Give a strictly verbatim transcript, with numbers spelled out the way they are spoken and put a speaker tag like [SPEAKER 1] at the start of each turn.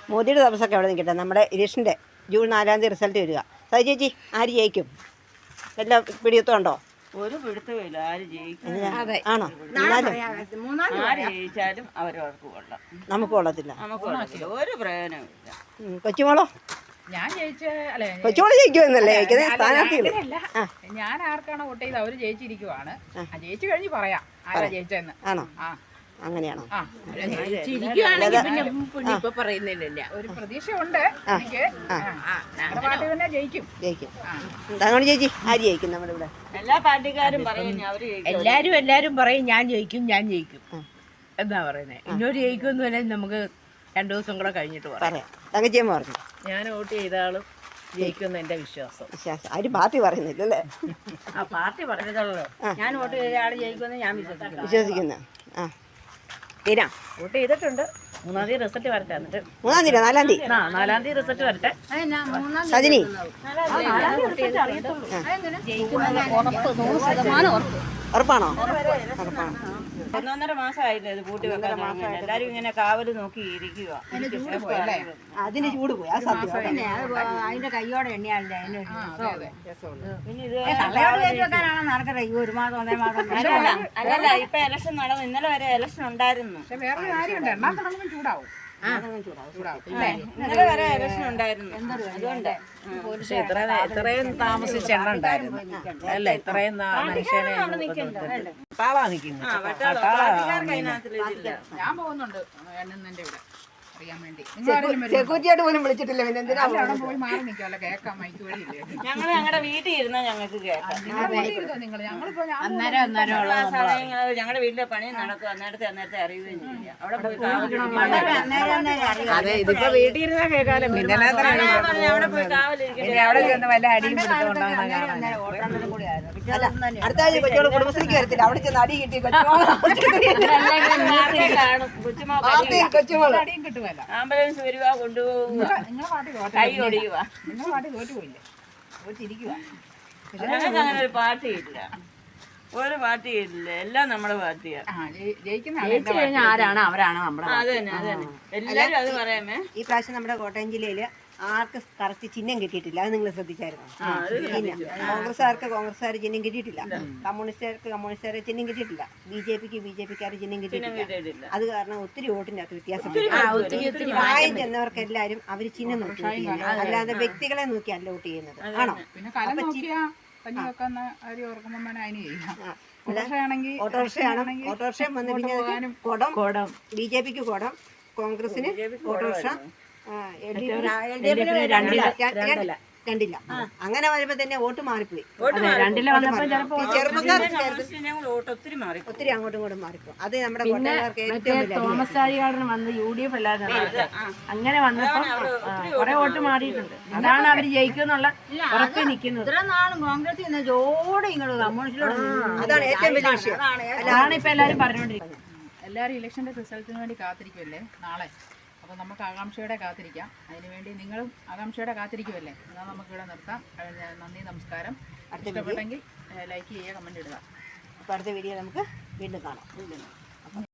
[SPEAKER 1] മോദിയുടെ തപസ്സൊക്കെ അവിടെ നിൽക്കട്ടെ. നമ്മുടെ ഇലക്ഷൻ്റെ ജൂൺ നാലാം തീയതി റിസൾട്ട് വരിക. സൈ ചേച്ചി ആര് ജയിക്കും? എല്ലാ പിടിയത്തുണ്ടോ?
[SPEAKER 2] ഒരു പിടുത്തമില്ല ആര് ജയിക്കും.
[SPEAKER 1] ആണോ?
[SPEAKER 2] ആര് ജയിച്ചാലും അവരവർക്ക് കൊള്ളാം,
[SPEAKER 1] നമുക്ക് കൊള്ളത്തില്ല.
[SPEAKER 2] നമുക്ക് കൊള്ളത്തില്ല, ഒരു പ്രയോജനമില്ല.
[SPEAKER 1] കൊച്ചുമോളോ?
[SPEAKER 3] ഞാൻ ജയിച്ച അല്ലെ
[SPEAKER 1] കൊച്ചുമോള് ജയിക്കുമെന്നല്ലേ ജയിക്കുന്നത് സ്ഥാനാർത്ഥികള്?
[SPEAKER 3] ഞാൻ ആർക്കാണോ വോട്ട് ചെയ്ത് അവര് ജയിച്ചിരിക്കുവാണ്. ജയിച്ചു കഴിഞ്ഞ് പറയാം ആരാ ജയിച്ചെന്ന്.
[SPEAKER 1] ആണോ? അങ്ങനെയാണോ?
[SPEAKER 3] ഒരു പ്രതീക്ഷ ഉണ്ട് എനിക്ക്. പാർട്ടി തന്നെ ജയിക്കും.
[SPEAKER 1] ജയിക്കും. താങ്കൾ ചേച്ചി ആര് ജയിക്കും നമ്മുടെ ഇവിടെ?
[SPEAKER 2] എല്ലാ പാർട്ടിക്കാരും പറയും അവര്
[SPEAKER 4] എല്ലാരും എല്ലാരും പറയും ഞാൻ ജയിക്കും ഞാൻ ജയിക്കും എന്താ പറയുന്നത്. ഇന്നൊരു ജയിക്കുമെന്ന് വരെ നമുക്ക് രണ്ടു ദിവസം കൂടെ കഴിഞ്ഞിട്ട് പറയാം.
[SPEAKER 1] തങ്കച്ചിയമ്മ പറഞ്ഞു
[SPEAKER 4] ഞാൻ വോട്ട് ചെയ്ത ആളും ജയിക്കുമെന്ന് എന്റെ വിശ്വാസം.
[SPEAKER 1] വിശ്വാസം ആരും പാർട്ടി പറയുന്നില്ലല്ലേ?
[SPEAKER 4] ആ പാർട്ടി പറഞ്ഞതല്ലോ ഞാൻ വോട്ട് ചെയ്ത ആള് ജയിക്കുമെന്ന് ഞാൻ വിശ്വസിക്കുന്നു.
[SPEAKER 1] വിശ്വസിക്കുന്ന ആ തീരാ
[SPEAKER 4] വോട്ട് ചെയ്തിട്ടുണ്ട്. മൂന്നാം തീയതി റിസൾട്ട് വരട്ടെ. എന്നിട്ട്
[SPEAKER 1] മൂന്നാം തീയതി നാലാം തീയതി
[SPEAKER 4] ആ നാലാം തീയതി റിസൾട്ട് വരട്ടെ.
[SPEAKER 1] സജിനി ഉറപ്പാണോ? ഉറപ്പാണ്.
[SPEAKER 2] ഒന്നൊന്നര മാസമായില്ലേ ഇത് പൂട്ടി വെക്കാൻ തുടങ്ങിയിട്ട്. എല്ലാരും ഇങ്ങനെ കാവല് നോക്കി ഇരിക്കുക.
[SPEAKER 1] അതിന് ചൂട് പോയി. ആ സത്യം.
[SPEAKER 4] അതിന്റെ കയ്യോടെ എണ്ണിയാലേ
[SPEAKER 2] പിന്നെ ഇത്
[SPEAKER 4] നടക്കട്ടെ. ഈ ഒരു മാസം ഒന്നര മാസം
[SPEAKER 2] അല്ലല്ല, ഇപ്പൊ ഇലക്ഷൻ നടന്നു. ഇന്നലെ വരെ ഇലക്ഷൻ ഉണ്ടായിരുന്നു.
[SPEAKER 3] പക്ഷെ വേറൊരു കാര്യമുണ്ട്, എണ്ണാൻ തുടങ്ങുമ്പോൾ ചൂടാവും.
[SPEAKER 2] ഇന്നലെ വരെ ഇലക്ഷൻ ഉണ്ടായിരുന്നു. അതുകൊണ്ട്
[SPEAKER 4] പക്ഷെ ഇത്ര ഇത്രയും താമസിച്ച് എണ്ണ ഉണ്ടായിരുന്നു അല്ല. ഇത്രയും മനുഷ്യനെ പട്ടാളാ നിൽക്കുന്നത്.
[SPEAKER 3] ഞാൻ പോകുന്നുണ്ട് എണ്ണുന്നതിന്റെ ഇവിടെ അറിയാൻ വേണ്ടി.
[SPEAKER 1] സെക്യൂരിറ്റിയായിട്ട് പോലും വിളിച്ചിട്ടില്ല. പിന്നെ എന്തിനാ
[SPEAKER 3] അവിടെ പോയി മാറി നിൽക്കാമല്ലോ, കേൾക്കാം. മൈക്ക് വഴിയില്ലേ?
[SPEAKER 2] ഞങ്ങള് ഞങ്ങളുടെ വീട്ടിൽ ഇരുന്നാ ഞങ്ങൾക്ക് കേൾക്കാം.
[SPEAKER 3] നിങ്ങൾ ഞങ്ങളിപ്പോ
[SPEAKER 4] അന്നേരം അന്നേരം
[SPEAKER 2] ഞങ്ങളുടെ വീട്ടിലെ പണി നടക്കും. അന്നേരത്തെ അന്നേരത്തെ അറിയുകയും ചെയ്യില്ല. അവിടെ പോയി
[SPEAKER 4] അതെ ഇതിപ്പോ വീട്ടിൽ ഇരുന്നാ കേൾക്കാലോ. പിന്നെ
[SPEAKER 2] അവിടെ പോയി കാവലിരിക്കും.
[SPEAKER 4] അവിടെ ചെന്ന് വല്ല അടിയും പിടിച്ചുകൊണ്ടാവുന്ന
[SPEAKER 1] അടുത്ത ആഴ്ച കൊച്ചോള് കുടുംബശ്രീക്ക് വരത്തില്ല. അവിടെ ചെന്ന് അടി കിട്ടി കൊച്ചുമോള്
[SPEAKER 2] കാണും. കൊച്ചുമോ
[SPEAKER 1] കൊച്ചുമോള്
[SPEAKER 3] അടിയും കിട്ടുമല്ല.
[SPEAKER 2] ആംബുലൻസ് വരുവാ, കൊണ്ടുപോകുക,
[SPEAKER 3] നിങ്ങളെ പാർട്ടി
[SPEAKER 2] കൈ ഒടിയുക.
[SPEAKER 3] നിങ്ങളെ പാർട്ടി തോറ്റുപോയില്ലേ? തോറ്റിരിക്കുക.
[SPEAKER 2] ഞങ്ങൾക്ക് അങ്ങനെ ഒരു പാർട്ടി ഇല്ല, ഒരു പാർട്ടി ഇല്ല. എല്ലാം നമ്മുടെ പാർട്ടിയാ.
[SPEAKER 3] ജയിക്കുന്ന
[SPEAKER 4] ആരാണ് അവരാണ് നമ്മുടെ.
[SPEAKER 2] അത് തന്നെ അത് തന്നെ എല്ലാരും അത് പറയാമേ.
[SPEAKER 1] ഈ പ്രാവശ്യം നമ്മുടെ കോട്ടയം ജില്ലയില് ആർക്ക് കറക്റ്റ് ചിഹ്നം കിട്ടിയിട്ടില്ല. അത് നിങ്ങൾ ശ്രദ്ധിച്ചായിരുന്നു? കോൺഗ്രസ്സുകാർക്ക് കോൺഗ്രസ്സുകാർ ചിഹ്നം കിട്ടിയിട്ടില്ല, കമ്മ്യൂണിസ്റ്റുകാർക്ക് കമ്മ്യൂണിസ്റ്റുകാരെ ചിഹ്നം കിട്ടിയിട്ടില്ല, ബി ജെ പിക്ക് ബി ജെ പിക്കാർ ചിഹ്നം കിട്ടിയിട്ടില്ല. അത് കാരണം ഒത്തിരി വോട്ടിന്റെ അകത്ത് വ്യത്യാസം. പ്രായം ചെന്നവർക്ക് എല്ലാവരും അവര് ചിഹ്നം നോക്കി വോട്ട് ചെയ്യുന്നത്, അല്ലാതെ വ്യക്തികളെ നോക്കിയല്ല വോട്ട് ചെയ്യുന്നത്. ആണോ?
[SPEAKER 3] പിന്നെ കല നോക്കിയാ കഞ്ഞി വെക്കുന്ന കാര്യം ഓർക്കുമ്പോ അതിന് ചെയ്യാം.
[SPEAKER 1] ഓട്ടോറിക്ഷയാണ്. ഓട്ടോറിക്ഷ വന്ന് പിന്നെ കുടം കുടം ബി ജെ പിക്ക് കുടം, കോൺഗ്രസിന് ഓട്ടോറിക്ഷ, രണ്ടില്ല. അങ്ങനെ വരുമ്പോ തന്നെ വോട്ട് മാറിപ്പോയി. ഒത്തിരി അങ്ങോട്ടും ഇങ്ങോട്ടും മാറിപ്പോ. അത് നമ്മുടെ
[SPEAKER 4] തോമസ് ചാഴികാടൻ വന്ന് യു ഡി എഫ് അല്ലാതെ അങ്ങനെ വന്നപ്പോ കുറെ വോട്ട് മാറിയിട്ടുണ്ട്. അതാണ് അവര് ജയിക്കുന്നുള്ള ഉറപ്പിൽ നിൽക്കുന്നത്. ഇത്ര നാളും കോൺഗ്രസ് ജോടെ ഇങ്ങോട്ട് കമ്മ്യൂണിസ്റ്റിലോട്ട്.
[SPEAKER 1] അതാണ് ഏറ്റവും വലിയ വിഷയം.
[SPEAKER 4] അതാണ് ഇപ്പൊ എല്ലാരും പറഞ്ഞുകൊണ്ടിരിക്കുന്നത്.
[SPEAKER 3] എല്ലാവരും ഇലക്ഷന്റെ റിസൾട്ടിന് വേണ്ടി കാത്തിരിക്കുമല്ലേ നാളെ? അപ്പോൾ നമുക്ക് ആകാംക്ഷയോടെ കാത്തിരിക്കാം. അതിനുവേണ്ടി നിങ്ങളും ആകാംക്ഷയോടെ കാത്തിരിക്കുമല്ലേ? എന്നാൽ നമുക്കിവിടെ നിർത്താം. നന്ദി, നമസ്കാരം. ഇഷ്ടപ്പെട്ടെങ്കിൽ ലൈക്ക് ചെയ്യുക, കമൻറ്റ് ഇടുക.
[SPEAKER 1] അപ്പോൾ അടുത്ത വീഡിയോ നമുക്ക് വീണ്ടും കാണാം.